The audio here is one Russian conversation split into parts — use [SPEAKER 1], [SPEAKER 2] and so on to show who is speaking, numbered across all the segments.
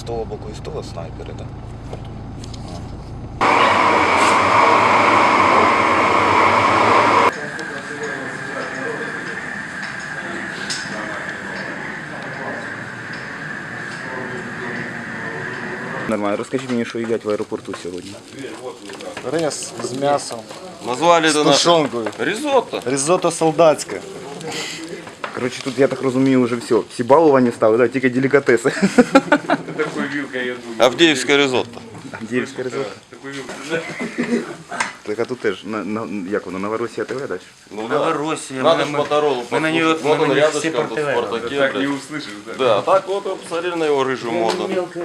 [SPEAKER 1] того боку і з того снайпери, так? Нормально. Розкажіть мені, що їдять в аеропорту сьогодні.
[SPEAKER 2] Рис з м'ясом,
[SPEAKER 3] Назвали
[SPEAKER 2] з
[SPEAKER 3] это наше
[SPEAKER 2] тушонкою,
[SPEAKER 3] ризотто.
[SPEAKER 2] ризотто солдатське.
[SPEAKER 1] Коротше, тут, я так розумію, вже все. Всі балувані стали, да? Тільки делікатеси.
[SPEAKER 3] Авдеевское ризотто.
[SPEAKER 1] Діївське ризотто. Так, а тут теж, як воно, Новоросія ТВ, так?
[SPEAKER 3] Ну,
[SPEAKER 4] Новороссия.
[SPEAKER 3] надо ж Моторолу
[SPEAKER 4] мы на нее,
[SPEAKER 3] послушать. Вот он
[SPEAKER 4] все
[SPEAKER 3] рядышком, тут в
[SPEAKER 4] портовые.
[SPEAKER 3] Спартаке.
[SPEAKER 5] Так
[SPEAKER 3] блядь.
[SPEAKER 5] не услышишь, да?
[SPEAKER 3] Да, так вот вы посмотрели на его рыжую морду.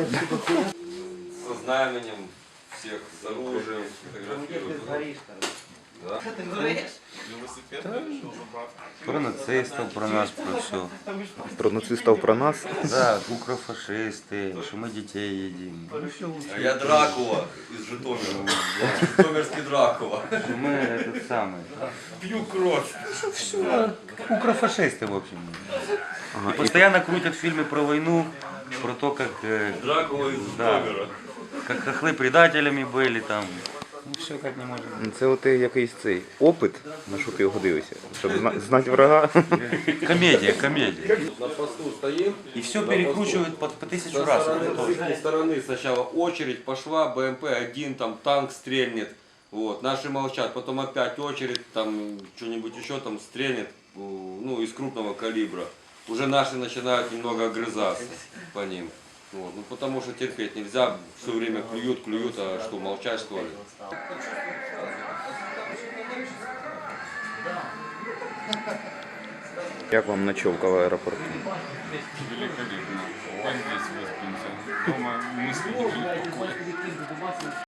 [SPEAKER 3] Со знаменем всех, с оружием, фотографируют. Да.
[SPEAKER 4] Про нацистов, про нас, про все.
[SPEAKER 1] Про нацистів, про нас.
[SPEAKER 4] Да, укрофашисты, что мы детей едим.
[SPEAKER 3] А я Дракула из Житомира. Житомирский Дракула.
[SPEAKER 4] Что мы этот самый.
[SPEAKER 3] Пью кровь.
[SPEAKER 4] Все, укрофашисты, в общем. И постоянно крутят фильмы про войну, про то, как,
[SPEAKER 3] Дракула из
[SPEAKER 4] да,
[SPEAKER 3] Житомира.
[SPEAKER 4] как хохлы предателями были там. Ну все как не можем.
[SPEAKER 1] Це от якийсь цей опит, на що ти його дивишся, щоб знати врага.
[SPEAKER 4] Комедия, комедия.
[SPEAKER 3] На посту стоим.
[SPEAKER 4] И все перекручивают по 1000 раз.
[SPEAKER 3] С этой стороны сначала очередь пошла, БМП-1, там танк стрельнет. Вот, наши молчат, потом опять очередь, там что-нибудь еще там стрельнет, ну, из крупного калибра. Уже наши начинают немного огрызаться по ним. Вот, ну, потому что терпеть нельзя, все время клюют, а что, молчать что ли?
[SPEAKER 1] Як вам ночовка в аеропорту?
[SPEAKER 5] Великолепно. Здесь выспимся. Дома мысли не покоя.